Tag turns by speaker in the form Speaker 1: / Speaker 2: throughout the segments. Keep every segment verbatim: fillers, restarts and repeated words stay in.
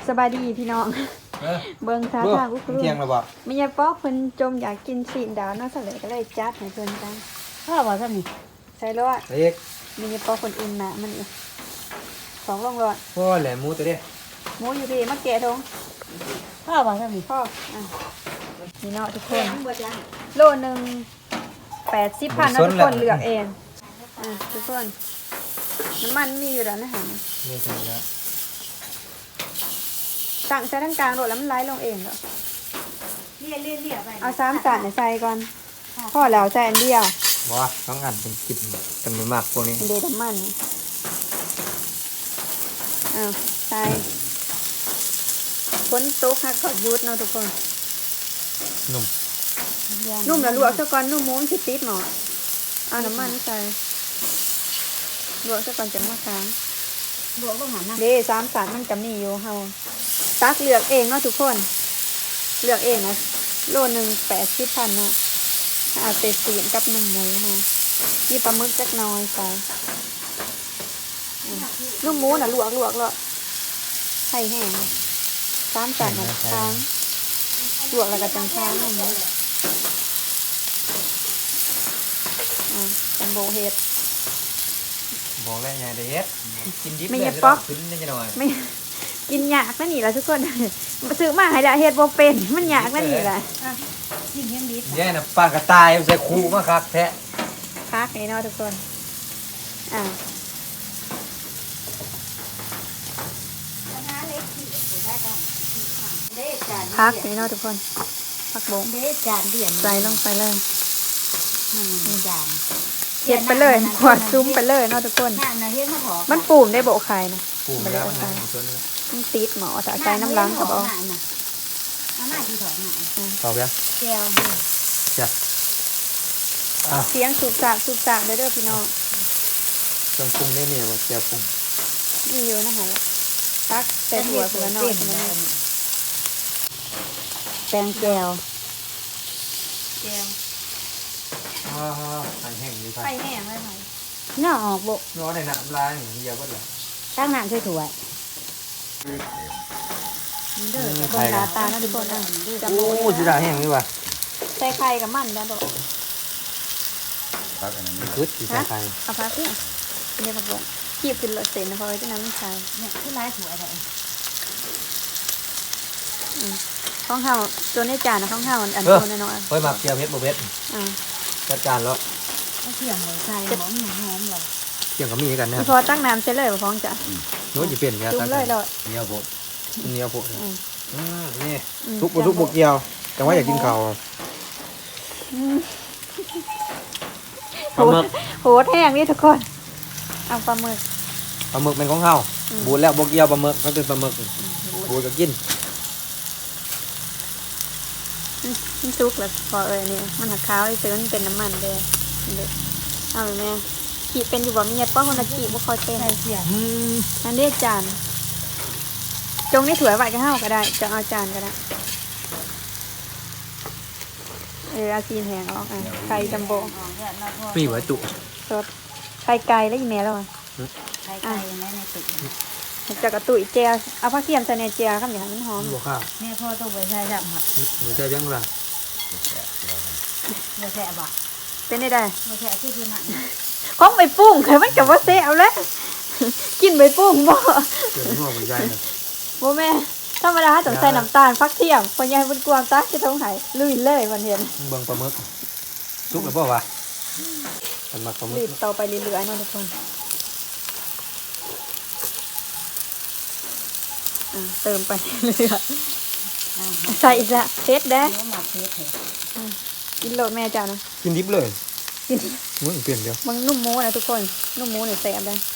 Speaker 1: สบายดีพี่น้องเบิ่งท่าทางอุ้กลุ่ม
Speaker 2: เที่ยงแล้วบ่
Speaker 1: ไม่ใช่ป๊อกเพิ่นจมอยากกินสีดาวเนาะซะเลยก็เลยจัดให้เพิ่นกัน
Speaker 3: พ่อบอกท่านนี่
Speaker 1: ใส่รอด
Speaker 2: เล็ก
Speaker 1: ไม่ใช่ป๊อกคนอุ่นน่ะมันอีกสองลงรอด
Speaker 2: พ่อแหลมหมูตัวเด้
Speaker 1: หมูอยู่พี่มาแกะทง
Speaker 3: พ่อบอกท่านนี่
Speaker 1: พ่ออ่ะนี่เนาะทุกคนโลนึงแปดสิบพันเนาะทุกคนเลือกเองอ่ะทุกคนน้ำมันมีอยู่แล้วนะฮะ
Speaker 2: นี่ใช่แล้ว
Speaker 1: ตั้งใส่ทั้งกลางโดดแล้วมันไหลลงเองเหรอ
Speaker 3: เลี่ยเลี่ยเลี่ยไป
Speaker 1: เอาสามจานใส่ก่อนพ่อแล้วใส่อันเดียว
Speaker 2: บ่ต้องอันเป็นกินกันไม่มากพวกนี้
Speaker 1: เดดมันอ้าวใส่ฝนตกฮักก็ยุดเนาะทุกคน
Speaker 2: นุ่ม
Speaker 1: นุ่มแล้วลวกซะก่อนนุ่มหมูมันสิติดหมอเอาน้ำมันใส่ลวกซะก่อนจังมาค้าง
Speaker 3: บวกต้องหันนะ
Speaker 1: เด้สามสารมันจะมีอยู่เฮาตักเลือกเองเนาะทุกคนเลือกเองนะโลหนึ่งแปดสิบพันเนาะเอาเตสีนกับหนึ่งหมูมามีปลาหมึกจักหน้อยใส่อืมนุ่มหมูน่ะลวกลวกแล้วให้แห้งสามสารนะค้างลวกแล้วก็จังค้างหมูอ่าจังโบเฮ็ด
Speaker 2: บอกแล้วไงเด็ดกินดิบ
Speaker 1: ไม่
Speaker 2: เลย
Speaker 1: ใช่ป๊อก
Speaker 2: ขึ้นได้จังหน่อย
Speaker 1: ไม่กินยากนั่นนี่แหละทุกคน ซื้อมาให้ละเฮ็ดบ่เป็นมันยากนั่นนี่แหละ
Speaker 3: ยิ่งยังดี
Speaker 2: แย่น่ะปลากระต่ายใส่คูมาคักแท้
Speaker 1: พักนี่เนาะทุกคนอ่าพักนี่เนาะทุกคนพักบง
Speaker 3: เด็ดจานเดียน
Speaker 1: ใส่ลงไปเลย
Speaker 3: มันจาน
Speaker 1: เฮ็ดไปเลยขวดซุ้มไปเลยเนาะทุกคน
Speaker 3: นั่นนะเฮ็ดมาถอ
Speaker 1: มันปูมได้โบไข่นะ
Speaker 2: ปูมาแล้วนะจน
Speaker 1: มันติดหมอแต่ใจน้ำล้างกับเอา
Speaker 3: น่ะเอาหน้าที่ถอดหน่อย
Speaker 2: ตอบยัง
Speaker 3: แก้ว
Speaker 2: จ้ะอ่ะ
Speaker 1: เสียงสูบสากสูบสากเด้อเด้อพี่น้อง
Speaker 2: เครื่องปรุงนี่นี่ว่าแก้วปรุง
Speaker 1: มีอยู่นะคะตักใส่ถั่วคนละหน่อยคนละหน่อย
Speaker 3: แตงแก้ว
Speaker 1: แก้ว
Speaker 2: อ่าหายแห้งดีไป
Speaker 1: ไข่แห้งเลยค่ะ
Speaker 3: เนาะออกบ่
Speaker 2: ร้อนในน้ำลายอย่างเดียวก็ได้
Speaker 3: ตั้งน้ำช่วยถั่ว
Speaker 1: เด้อบนตาตาเนาะทุกคนอ่ะจำ
Speaker 2: โอ้
Speaker 1: โบ
Speaker 2: สิได้แห้งนี่ว่ะ
Speaker 1: ใส่ไข่กับมันได้บอก
Speaker 2: คึดสิใส่ไข่
Speaker 1: เอาพักเนี่ยเนี่ยบอกบอกขีบขึ้นรถเสร็จนะเพราะว่าจะน้ำมันใส่
Speaker 3: เนี่ยคือไล่ถั่วได้
Speaker 1: ข้องเฮาตัวในจานนะข้องเฮาอัน
Speaker 2: เออ
Speaker 1: ตัวน้อย
Speaker 2: เฮ้ยหมักเจียวเพชรบ่เพชร
Speaker 1: ๆอ่า
Speaker 2: จัดการแล้ว
Speaker 3: ก็เทียมเลยใส่หอมหอมเลย
Speaker 2: เกี่ยงกับมีกันนะ
Speaker 1: พอตั้งน้ำเสร็จเลยบ่พ้องจ้ะ
Speaker 2: นู้นจะเปลี่ยนกัน
Speaker 1: จุ่มเลยเลย
Speaker 2: เนียวโพดเนียวโพด
Speaker 1: อืม
Speaker 2: อืมนี่
Speaker 1: อืม
Speaker 2: ทุกบุทุกบุกเกี่ยวแต่ว่าอยากกินข้าว
Speaker 1: อืม
Speaker 2: ปลาหมึก
Speaker 1: โหดแห้งนี่ทุกคนเอาปลาหมึก
Speaker 2: ปลาหมึกเป็นของเฮา
Speaker 1: อืม
Speaker 2: บูดแล้วบุกเกี่ยวปลาหมึกเขาเป็นปลาหมึกบูดก็กิน
Speaker 1: มันซุกแล้วพอเอ้ยนี่มันหักขาวไอ้ซื้อมันเป็นน้ำมันเด้อเด้อเอาแม่ขีดเป็นอยู่บ่มีเฮ็ดป้อคนละขีดบ่ค่อยเป็น
Speaker 3: ใส่เสีย
Speaker 2: อืม
Speaker 1: นั่นเรียกจานจงในถ้วยไว้ก็เฮาก็ได้จะเอาจานก็ได้เออเอาซีนแหงออกอ่ะไข่จัมโบ้
Speaker 2: มีไว้จุ
Speaker 1: สดไข่ไก่แล้วอีแม่แล้วอ่ะ
Speaker 3: ไข่ไก่ในในตึก
Speaker 1: จะกระตุยเจียเอาผักเทียมใส่ในเจียครับอย่างนั้นมันหอม
Speaker 2: บวกข้าว
Speaker 3: แม่พ่อต้องไปใส่ดับหัก
Speaker 2: หนูใจเบี้ยงล่ะ
Speaker 3: บ่แซ่บบ่
Speaker 1: เป็นได้ได้
Speaker 3: บ่แซ่บคือคือนั่น
Speaker 1: ของใบปุ้งเคยมันกับว่าเซเอาแล้ว กินใบปุ้งบ่
Speaker 2: เกิดหัวหัวใจเลย
Speaker 1: บ่แม่ธรรมดาต้องใส่น้ำตาลผักเทียมพอยายมันกวางตักจะต้องไหลุยเลยมันเห็น
Speaker 2: เบิ่งปลาหมึกซุกหรือเปล่าวะมันมาปลาหมึ
Speaker 1: รี
Speaker 2: ก
Speaker 1: บต่อไปเรื่อยๆเนาะทุกคนอ่ะเติมไปเรื่อยๆใส่อีกละเผ็ดเด้
Speaker 3: หมักเผ็ดเถอะ
Speaker 1: กินโลดแม่จ้านะ
Speaker 2: กินดิบเลย
Speaker 1: กิน
Speaker 2: มึงเปลี่ยนเดียว
Speaker 1: มันนุ่มหมูนะทุกคนนุ่มหมูเนี่ยแซ่บเลย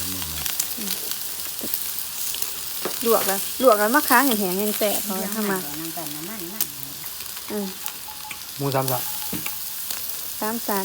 Speaker 1: ลวกแล้วลวกแล้วมะค้างแห้งๆยังแซ่บพอทำมา
Speaker 3: น้ำตาลน้ำมันนั่น
Speaker 1: อืม
Speaker 2: หมูสามสับ
Speaker 1: สามสาร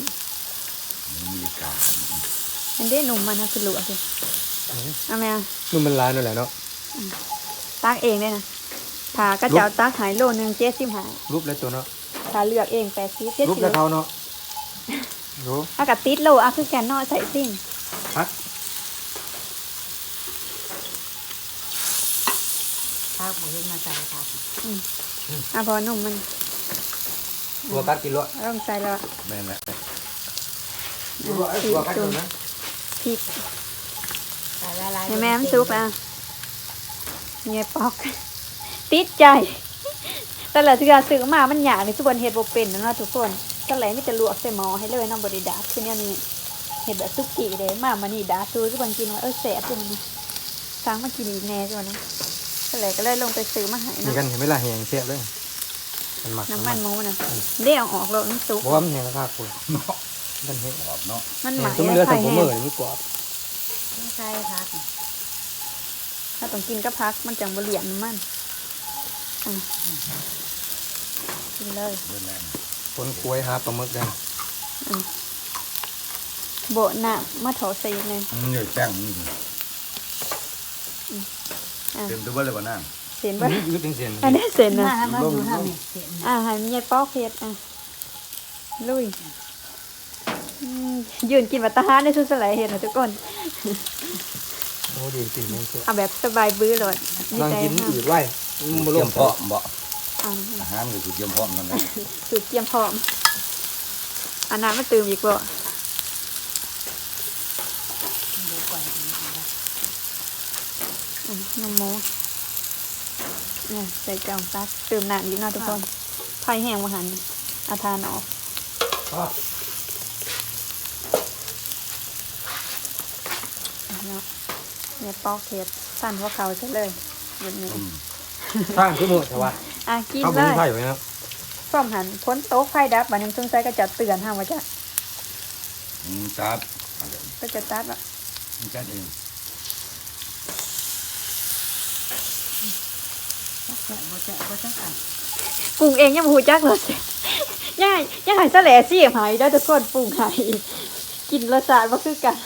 Speaker 1: อันเด้หนุ่มมันนะคือลวกสิเอาแม่
Speaker 2: นุ่มมันลายนั่นแหละเนาะ
Speaker 1: ตักเองได้นะถากระเจ้าตักหายโลนึงเจ็ดสิบหาย
Speaker 2: รูปแล้วตัวเนาะ
Speaker 1: ถ้าเลือกเองแปดสิบเจ็ด
Speaker 2: รูป
Speaker 1: สิบ
Speaker 2: แล้วเขาเนาะโห
Speaker 1: อากาศติดโลอ่ะคือแกนนอใส่สิ่ง
Speaker 2: พัก
Speaker 3: ภาพบ่เห็นมาใส่ครับ
Speaker 1: อืมอ่ะพอนุ่มมัน
Speaker 2: ตัวกัดกินรส
Speaker 1: ต้องใส่แล้ว
Speaker 2: แม่นแหละ
Speaker 1: อ่ะ
Speaker 2: ตั
Speaker 1: พริ
Speaker 2: ว
Speaker 1: ก
Speaker 2: กัด
Speaker 1: จุ่
Speaker 2: กิ
Speaker 1: ม
Speaker 2: นนะ
Speaker 1: พริก
Speaker 3: ใส่ละลาย
Speaker 1: ให้แม่มันสุกแล้วเงี้ยปอก ติดใจแต่ละที่เราซื้อมามันยากเลยทุกคนเฮ็ดบ่เป็นนะเนาะทุกคนก็เลยมีแต่ลวกใส่หม้อให้เลยน้ำบ่ได้ดาดคือเนี่ยนี่เฮ็ดแบบซุกี้เลยมามานี่ดาดซูทุกคนกินว่าเออแซ่บจังนะสั่งมากินอีกแน่จังนะก็เลยก็เลยลงไปซื้อมาให้
Speaker 2: มี
Speaker 1: เนาะ
Speaker 2: กันเห็นไหมล่ะแหงเสียบเลยมันหมัก
Speaker 1: น้ำมันหมูน่ะเดี๋ยวออกแล้วมันสุก
Speaker 2: เพราะว่ามันแหงราคาคุณมันแหงกรอบเนาะ
Speaker 1: มันห
Speaker 2: แห
Speaker 1: มาง ย
Speaker 2: ตุ้มเลือด
Speaker 1: ไข่
Speaker 2: สัมผัส
Speaker 1: แห้
Speaker 2: มื
Speaker 1: ง
Speaker 2: อนี่กรอบ
Speaker 3: ต้องใส่ครับ
Speaker 1: ถ้าต้องกินก็พักมันจังบ่เหลียนน้ำมันอ่ะกินเลย
Speaker 2: คนกล้วยหาปลาหมึกได้
Speaker 1: โบะหน้ามาถอใส่อีกเลย
Speaker 4: มันเหนื่อยแจ้งนี่
Speaker 1: อ่ะ
Speaker 4: เต็มตัวเลยว่านั่ง
Speaker 1: เสียนบ่
Speaker 2: นี่ยืดเป็นเส้น
Speaker 1: อันนี้เสียน
Speaker 3: มา
Speaker 1: นะ
Speaker 3: มาดูทางนี้เสียน
Speaker 1: อ่ะให้มียายปอกเฮ็ดอ่ะลุยอืมยืนกินวัตตาหารในสุดสลายเห็นนะทุกคน
Speaker 2: โอ้ดีจริงมันเสีย
Speaker 1: เอาแบบสบายบื้อเลยดี
Speaker 2: นั่ง
Speaker 1: ใจ
Speaker 2: กิน
Speaker 1: มาก
Speaker 2: อืดไว้มันบ่
Speaker 4: เต
Speaker 2: ล
Speaker 4: รีย
Speaker 2: ง
Speaker 4: มเพาะบ่
Speaker 1: อ่ะ
Speaker 4: อาหารก็คือเตรียมเพาะมันนะ
Speaker 1: สูตรเตรียมพร้อมอันนั้นมาตื่มอีกบ่
Speaker 3: ดูก่อน
Speaker 1: อ่ะน้ำหมูอ่ะใส่จองตักตื่มน้ำอีกเนาะทุกคนไผ่แห้งมาหันเอาทานออก
Speaker 2: อ๋อ
Speaker 1: เนาะเนี่ยปอกเฮ็ดสั่นพวกเขาซะเลยแบบนี้
Speaker 4: อืม
Speaker 2: สร้างขึ้นหมดใช่ปะ
Speaker 1: อ่ะกิน
Speaker 2: เขา
Speaker 1: เล
Speaker 2: บุญ
Speaker 1: ย
Speaker 2: ไผ่ไว้นะ
Speaker 1: พร้อมหันพ้นโต๊ะไฟดับบัดนี้สงสัยก็จะเตือนห้ามว่าจะ
Speaker 4: อืมจัด
Speaker 1: ก็จะตัดว่า
Speaker 4: จัดเอง
Speaker 3: แซ่บบ่แซ่บบ่จังกัน
Speaker 1: ปรุงเองยังบ่ฮู้จักเลย ย่ายย่ายซะแหล่สิหายได้อทุกคนปรุงให้กินรสชาติบ่คือกัน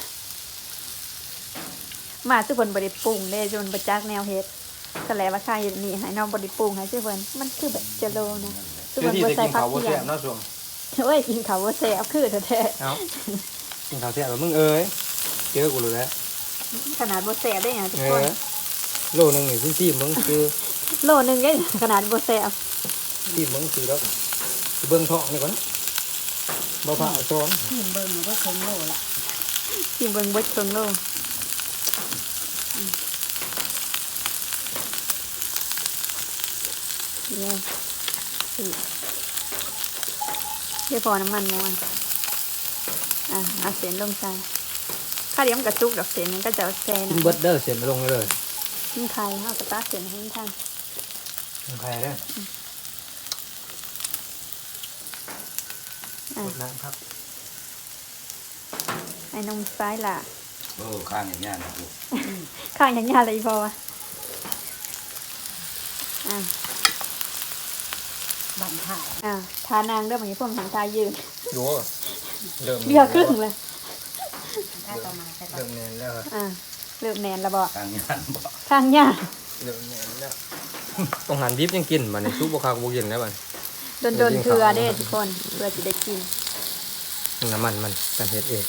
Speaker 1: มาทุกคนบ่ได้ปรุงเด้จนบ่จักแนวเฮ็ดซะแหล่ว่าค่าอยู่นี่ให้น้องบ่ได้ปรุงให้ทุกคนมันคือแบบจะโลนะทุกคน
Speaker 2: ที่
Speaker 1: บ่
Speaker 2: จะ
Speaker 1: ใส่
Speaker 2: กิน
Speaker 1: ผัก
Speaker 2: ข้าวบ่
Speaker 1: เที
Speaker 2: แซ่
Speaker 1: ย
Speaker 2: บ
Speaker 1: ม
Speaker 2: เนาะช่วง
Speaker 1: โอ้ยกินข้าวบ่แซ่บคือแท้
Speaker 2: เอ้ากินข้าวแซ่บแล้วมึงเอ้ยเจอกูรู้แล้ว
Speaker 1: ๆขนาดบ่แซ่บได้หยังทุก
Speaker 2: เอ
Speaker 1: คน
Speaker 2: อโลนึงนี่พี่ซีมึงคือ
Speaker 1: โลนึงได้ขนาดบ่แซ่บ
Speaker 2: ซีมึงคือแล้วเบิ่งท้องนี่ก่อนบ่ผ่าซ้อน
Speaker 3: ทีมเบิ่งบ่คงโลละ
Speaker 1: กินเบิ่งเบิดครึ่งโลอืมเนี่ยอืมเดี๋ยวพอน้ำมันมวนอ่ะเอาเส้นลงใส่ข้าวเดียวมันกระจุกดอกเส้นมันก็จะแซ่
Speaker 2: กิน
Speaker 1: นะ
Speaker 2: เบิดเด้อเสร็จลงเลย
Speaker 1: กินไข่ข้าวกระตากเส้นให้ท่าน
Speaker 2: กินไข่เด้อ
Speaker 1: อ่ะ
Speaker 2: กดน้ำครับ
Speaker 1: ไอ้นมซ้ายล่ะ
Speaker 4: โอ้ข้างอย่างเงี้ยนะกู
Speaker 1: ข้างอย่างยาเลยพอวะอ่ะ
Speaker 3: บันถ่าย
Speaker 1: อ่ะทานางเด้อมันนี้พวกหันทายืน
Speaker 2: ดูเริ่ม
Speaker 1: เบี้ยครึ่งเลย
Speaker 3: ถ้าต่อมาใส่
Speaker 2: เริ่มแน่นแล้วครับ
Speaker 1: อ่ะเริ่มแนนแล้วบ่
Speaker 4: ข้างอย่างบ่
Speaker 1: ข้างยา
Speaker 2: เริ่มแน่นแล้วต้องหันดิบยังกินบัดนี้ซุปบ่คักบ่กินแล้วบัด
Speaker 1: โดนโดนๆเกลือเด้ทุกคนเพื่อจะได้กิน
Speaker 2: น้ำมันมันกันเฮ็ดเอง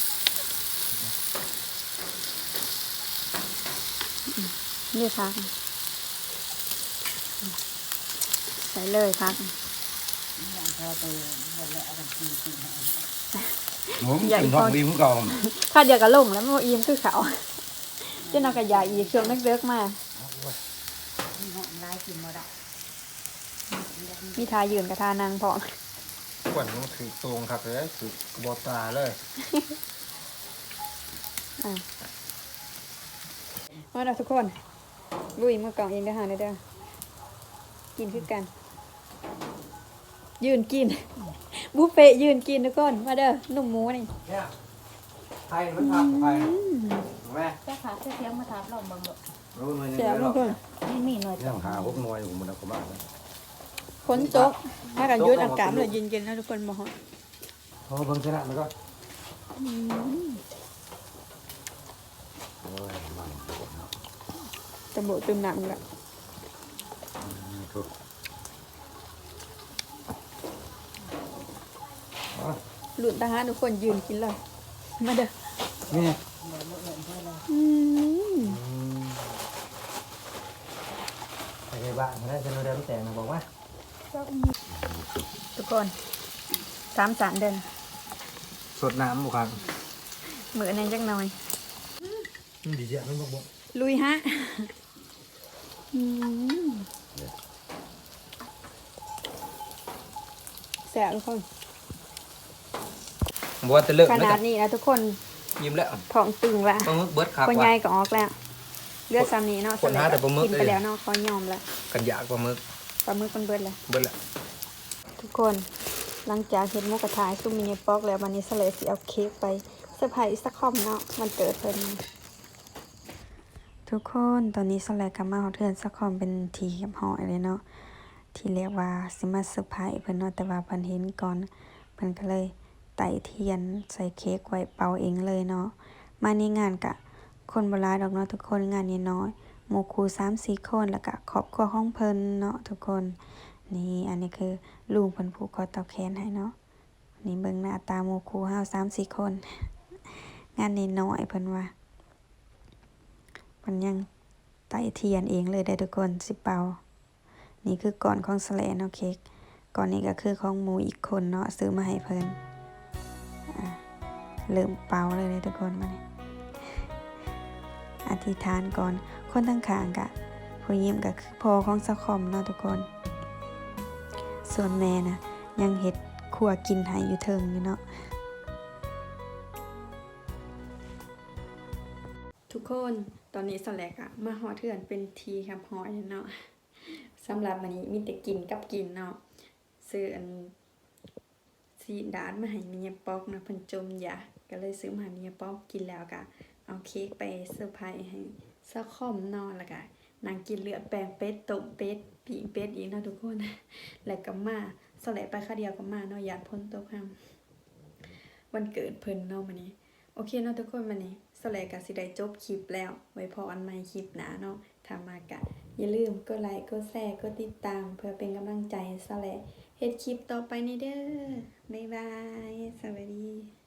Speaker 1: นี่พักใส่เลยพัก
Speaker 3: อย่างพอตัวบ่แล้วเอากันกินกินให้
Speaker 4: หมูกินท้องดีมึงเก่า
Speaker 1: ข้าวเดียวกับลงแล้วมันบ่อิ่มคือเขาเจ้าน้องกระยาอีกช่วงนึกเลิกๆมา
Speaker 3: มีหอมลายกินบ่ได้
Speaker 1: มีทายืนกับทานางพร้อม
Speaker 2: กวนมันถือตรงคักเลยถือบ่ตาเลย
Speaker 1: อ่ะมาแล้วทุกคนลุยมือกล่องเองได้อหาได้อเด้อกินคือกัน ยืนกิน บุฟเฟ่ต์ยืนกินทุกคนมาเด้อหนุ่มหมูนี่
Speaker 2: เนี่ยไข่มันผักไข่แม่
Speaker 3: แค่ขาเสียงมาถามเราเบิ่งบ่
Speaker 2: รู้หน่วยหนึง
Speaker 1: เสีย
Speaker 2: แล้
Speaker 1: ทุ
Speaker 2: ว
Speaker 1: กคน
Speaker 3: นี่มีหน่อย
Speaker 4: เรื่องหาพวกหน่วยของมันก็มาก
Speaker 1: ฝนตกถ้ากันยุดอากาศมันเลยเย็นๆแล้วทุกคนมาฮอด
Speaker 2: พอเบิ่งชนะมันก็
Speaker 1: อืม
Speaker 4: โอ้ยมันปวดเนาะ
Speaker 1: ตะโบตึมหนักแล้ว
Speaker 4: ทุก
Speaker 1: หลุดทหารทุกคนยืนกินเลยมาเด้อ
Speaker 2: นี่
Speaker 1: อืม
Speaker 2: ไปในบ้านเขาได้จะโนเดลแต่งนะบอกว่า
Speaker 1: ทุกคนสามสารเดิน
Speaker 2: สดน้ำบุคคล
Speaker 1: มือในจักหน่อย
Speaker 2: ดีเสียไม่บอกบอก
Speaker 1: ลุยฮะอืมแสบทุกคน
Speaker 2: บอกว่าจะเลิก
Speaker 1: ขนาดนี้นะทุกคน
Speaker 2: ยิ้มแล้ว
Speaker 1: ท้องตึงละ
Speaker 2: ปลาหมึกเบิร์ดคัก
Speaker 1: คน
Speaker 2: ว่ะ
Speaker 1: ใหญ่ก็ออกแล้วเลือดซ้ำนี้เนาะ
Speaker 2: คนหาแต่ปลาหมึก
Speaker 1: กินไปแล้วเนาะเขายอมละ
Speaker 2: กันยากปลาหมึก
Speaker 1: ปลาหมึกมันเบิดเลย
Speaker 2: เบิร์ดละ
Speaker 1: ทุกคนหลังจากเห็นหมูกระทะซุ่มมินิป๊อกแล้ววันนี้สเลสิเอาเค้กไปเซอร์ไพรส์สักคอมเนาะมันเกิดเพิ่นทุกคนตอนนี้สเลกลับมาเฮาเทือนสักคอมเป็นทีกับหอยเลยเนาะที่เรียกว่าสิมาเซอร์ไพรส์เพิ่นเนาะแต่ว่าเพิ่นเห็นก่อนเพิ่นก็เลยไต่เทียนใส่เค้กไว้เป่าเองเลยเนาะมาในงานกะคนบ่หลายดอกเนาะทุกคนงานนี้น้อยหมู่ครู สามสี่ คนแล้วก็ครอบครัวของเพิ่นเนาะทุกคนนี่อันนี้คือลุงเพิ่นผูกคอต่อแขนให้เนาะนี่เบิ่งหน้าตาหมู่ครูเฮา สามสี่ คน งานนี้น้อยเพิ่นว่าเพิ่นยังไต่เทียนเองเลยได้ทุกคนสิเป่านี่คือก่อนของสแลเนาะเค้กก่อนนี้ก็คือของหมู่อีกคนเนาะซื้อมาให้เพิ่นอ่ะเริ่มเป่าเลยเลยทุกคนมานี่อธิษฐานก่อนคนทั้งข้างกะผู้ยิ้มก็คือพ่อของสะคอมเนาะทุกคนส่วนแม่นะยังเฮ็ดขัวกินให้อยู่เทิงอยู่เนาะทุกคนตอนนี้สแลกอะมาฮอดเทือนเป็นทีครับฮอดเนาะสำหรับวันนี้มีแต่กินกับกินเนาะซื้ออันซีดาดมาให้เมียป๊อกนะเพิ่นจมอยากก็เลยซื้อมาให้เมียป๊อกกินแล้วก็เอาเค้กไปเซอร์ไพรส์ให้ซะคอมเนาะแล้วก็นางกินเลือดแปลงเป็ดต้มเป็ดปีกเป็ดอีกเนาะทุกคน แล้วก็มาสแลกไปค่าเดียวก็มาเนาะญาติพ้นตกห้ามวันเกิดเพิ่นเนาะมื้อนี้โอเคเนาะทุกคนมื้อนี้สแลกก็สิได้จบคลิปแล้วไว้พออันใหม่คลิปหน้าเนาะถ้ามากะอย่าลืมกดไลค์กดแชร์กดติดตามเพื่อเป็นกำลังใจให้สแลกเฮ็ดคลิปต่อไปนี่เด้อบ๊ายบายสวัสดี